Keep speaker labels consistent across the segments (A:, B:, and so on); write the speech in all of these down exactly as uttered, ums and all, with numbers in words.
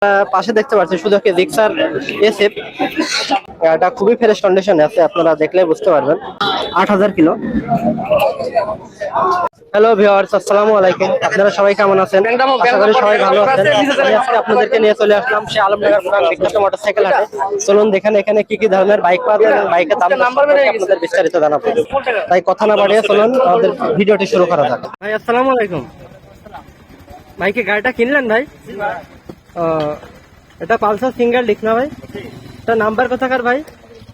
A: পাশে দেখতে পাচ্ছি শুধু কি জিক্সার এসএফ, এটা খুবই ফ্রেশ কন্ডিশনে আছে, আপনারা দেখলে বুঝতে পারবেন। আট হাজার কিলো। হ্যালো ভিউয়ার্স, আসসালামু আলাইকুম। আপনারা সবাই কেমন আছেন? আশা করি সবাই ভালো আছেন। আমি আজকে আপনাদেরকে নিয়ে চলে আসলাম সে আলমনগর পুরান বিখ্যাত মোটরসাইকেল হাটে। চলুন দেখেন এখানে কি কি ধরনের বাইক পাওয়া যায় এবং বাইকের দাম সম্পর্কে আপনাদের বিস্তারিত জানাবো। তাই কথা না বাড়িয়ে চলুন আমাদের ভিডিওটি শুরু করা যাক। ভাই আসসালামু আলাইকুম। ভাই কি গাড়িটা কিনলেন ভাই? এটা পালসার সিঙ্গেল ডিস্ক না ভাই? এটা নাম্বার কোথাকার ভাই?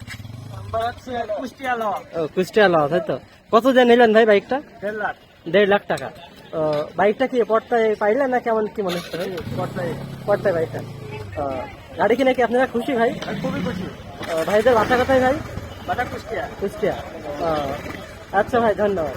A: কুষ্টিয়া লওয়া, তাই তো। কত দিয়ে নিলেন ভাই বাইকটা? দেড় লাখ দেড় লাখ টাকা। বাইকটা কি পর্তায় পাইলেন না কেমন কি মনে হচ্ছে? পর্তায় বাইকটা। গাড়ি কিনে কি আপনারা খুশি ভাই? খুবই খুশি। ভাইদের বাসা কোথায় ভাই? বাসা কুষ্টিয়া। কুষ্টিয়া। আচ্ছা ভাই, ধন্যবাদ।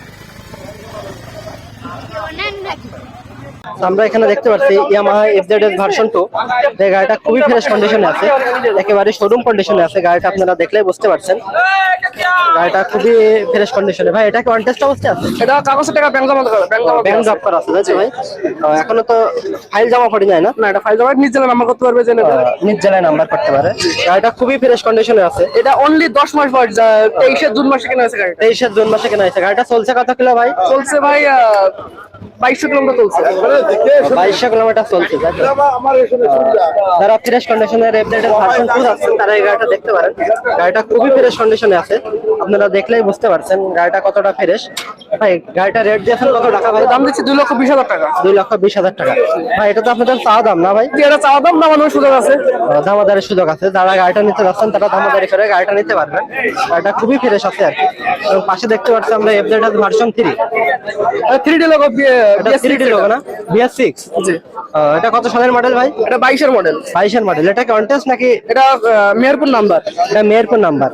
A: আমরা এখানে দেখতে পাচ্ছি ইয়ামাহা এফজেডএস ভার্সন টু। এই গাড়িটা খুবই ফ্রেশ কন্ডিশনে আছে, একেবারে শোরুম কন্ডিশনে আছে। গাড়িটা আপনারা দেখলেই বুঝতে পারছেন, গাড়িটা খুবই ফ্রেশ কন্ডিশনে। ভাই এটা কি অন টেস্ট অবস্থায় আছে? এটা কাগজের টাকা ব্যাংক জমা করা, ব্যাংক জমা করা আছে তাই ভাই? এখনো তো ফাইল জমা পড়ে যায় না? না, এটা ফাইল জমা নিজ জেলায় নাম্বার করতে পারবে, জেনে নিজ জেলায় নাম্বার করতে পারে। গাড়িটা খুবই ফ্রেশ কন্ডিশনে আছে। এটা অনলি দশ মাস বয়স, তেইশে জুন মাসে কেনা হয়েছে গাড়ি। তেইশে জুন মাসে কেনা হয়েছে। গাড়িটা চলছে কত কিলো ভাই? চলছে ভাই বাইশশো কিলোমিটার চলছে। বাইশশো কিলোমিটার চলছে। যারা ফ্রেশ কন্ডিশনের এফজেডএস ভার্সন টু আছে তারা এই গাড়িটা দেখতে পারেন। গাড়িটা খুবই ফ্রেশ কন্ডিশনে আছে, আপনারা দেখলেই বুঝতে পারছেন গাড়িটা কতটা ফ্রেশ। ভাই গাড়িটা রেট দিয়েছেন কত টাকা ভাই? দাম দিচ্ছি দুই লক্ষ বিশ হাজার টাকা। দুই লক্ষ বিশ হাজার টাকা। ভাই এটা তো আপনাদের চাওয়া দাম না ভাই? এটা চাওয়া দাম, দামানোর সুযোগ আছে। দামাদারের সুযোগ আছে। যারা গাড়িটা নিতে যাচ্ছেন তারা দামাদারি করে গাড়িটা নিতে পারবেন। গাড়িটা খুবই ফ্রেশ আছে আর কি। এবং পাশে দেখতে পাচ্ছি আমরা FZS version three. Three D logo, three D logo না? BS six. জি। এটা কত সালের মডেল ভাই? এটা বাইশের মডেল। বাইশের মডেল। এটা কি অন টেস্ট নাকি? এটা মেহেরপুর নাম্বার। এটা মেহেরপুর নাম্বার।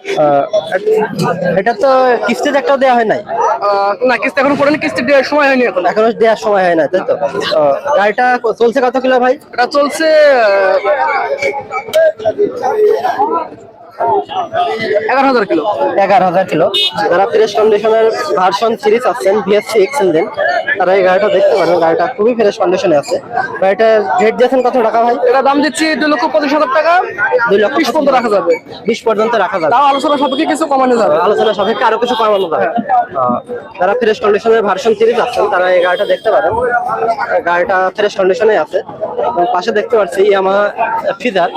A: এটা তো কিস্তিতে একটাও দেওয়া হয় নাই? না, কিস্তি এখনো পড়েনি, কিস্তি দেওয়ার সময় হয়নি, এখন এখনো দেওয়ার সময় হয় না, তাই তো। গাড়িটা চলছে কত কিলো ভাই? এটা চলছে এগারো হাজার কিলো। এগারো হাজার কিলো। যারা ফ্রেশ কন্ডিশনের ভার্সন সিরিজ আছেন বিএস সিক্স ইঞ্জিন, তারা এই গাড়িটা দেখতে পারেন। গাড়িটা খুবই ফ্রেশ কন্ডিশনে আছে। গাড়িটার রেট দিয়েছেন কত টাকা ভাই? এটা দাম দিচ্ছি দুই লক্ষ পঁচিশ হাজার টাকা। দুই লক্ষ বিশ পর্যন্ত রাখা যাবে। বিশ পর্যন্ত রাখা যাবে। তাও আলোচনা সাপেক্ষে কিছু কমানো যাবে। আলোচনা সাপেক্ষে আরো কিছু কমানো যাবে। যারা ফ্রেশ কন্ডিশনের ভার্সন সিরিজ আছেন তারা এই গাড়িটা দেখতে পারেন। গাড়িটা ফ্রেশ কন্ডিশনে আছে। পাশে দেখতে পাচ্ছি ইয়ামাহা ফিজার।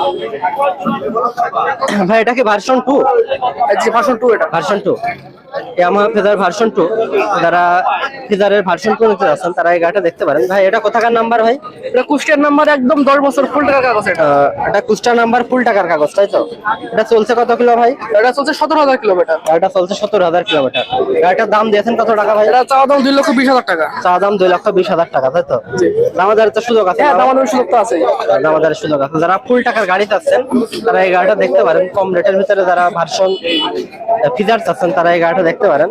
A: ভাই এটা কি ভার্সন টু? Version two. এটা version two Yamaha Fazer version two. যারা ফিজারের ভার্সন টু নিতে যাচ্ছেন তারা এই গাড়িটা দেখতে পারেন। ভাই এটা কোথাকার নাম্বার ভাই? এটা কুষ্টিয়ার নাম্বার, একদম দশ বছর ফুল টাকার কাগজ। এটা এটা কুষ্টিয়ার নাম্বার, ফুল টাকার কাগজ, তাই তো। এটা চলছে কত কিলো ভাই? এটা চলছে সতেরো হাজার কিলোমিটার। এটা চলছে সতেরো হাজার কিলোমিটার। গাড়িটার দাম দিয়েছেন কত টাকা ভাই? এটা চাওয়া দাম দুই লক্ষ বিশ হাজার টাকা। চাওয়া দাম দুই লক্ষ বিশ হাজার টাকা, তাই তো। দামাদারের তো সুযোগ আছে? হ্যাঁ, দামাদারের সুযোগ তো আছে। দামাদারের সুযোগ আছে। যারা ফুল টাকার গাড়ি চাচ্ছেন তারা এই গাড়িটা দেখতে পারেন। কম রেটের ভিতরে যারা ভার্সন ফিজার চাচ্ছেন তারা এই গাড়িটা দেখতে পারেন।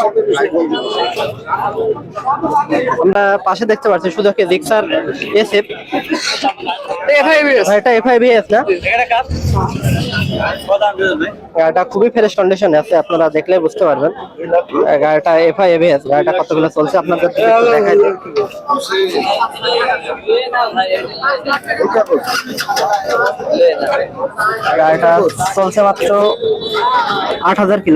A: আমরা পাশে দেখতে পাচ্ছি শুধু কি জিক্সার এসএফ। এটা এফআইবিএস না? গাড়িটা খুবই ফ্রেশ কন্ডিশনে আছে, আপনারা দেখলে বুঝতে পারবেন। গাড়িটা এফআইবিএস। গাড়িটা কতগুলো চলছে আপনাদের দেখাই দিই। গাড়িটা চলছে মাত্র আট হাজার কিলো।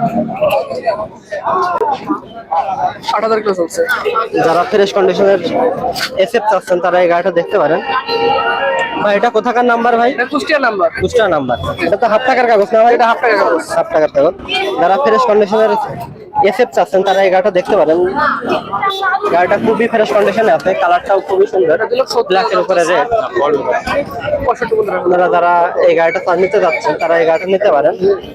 A: আট হাজার কিলো চলছে। যারা ফ্রেশ কন্ডিশনের এসএফ চাচ্ছেন তারা এই গাড়িটা দেখতে পারেন। ভাই এটা কোথাকার নাম্বার ভাই? এটা কুষ্টিয়া নাম্বার। কুষ্টিয়া নাম্বার। এটা তো হাফ টাকার কাগজ না ভাই? এটা হাফ টাকার কাগজ। হাফ টাকার কাগজ। যারা ফ্রেশ কন্ডিশনের এসএফ চাচ্ছেন তারা এই গাড়িটা দেখতে পারেন। গাড়িটা খুবই ফ্রেশ কন্ডিশনে আছে, কালারটাও খুবই সুন্দর, ব্ল্যাকের উপরে রেড। আপনারা যারা এই গাড়িটা নিতে যাচ্ছেন তারা এই গাড়িটা নিতে পারেন।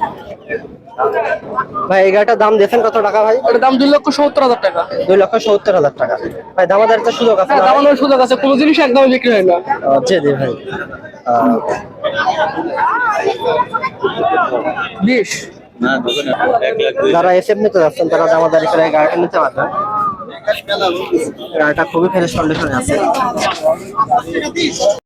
A: ভাই এই গাড়িটার দাম দিয়েছেন কত টাকা ভাই? এটার দাম দুই লক্ষ সত্তর হাজার টাকা। দুই লক্ষ সত্তর হাজার টাকা। ভাই দামাদারের তো সুযোগ আছে? দামানোর সুযোগ আছে, কোনো জিনিস একদম বিক্রি হয় না। জি জি ভাই। বিশ। যারা এসএফ নিতে যাচ্ছেন তারা দামাদারি করে গাড়িটা নিতে পারবেন। গাড়িটা খুবই ফ্রেশ কন্ডিশনে আছে।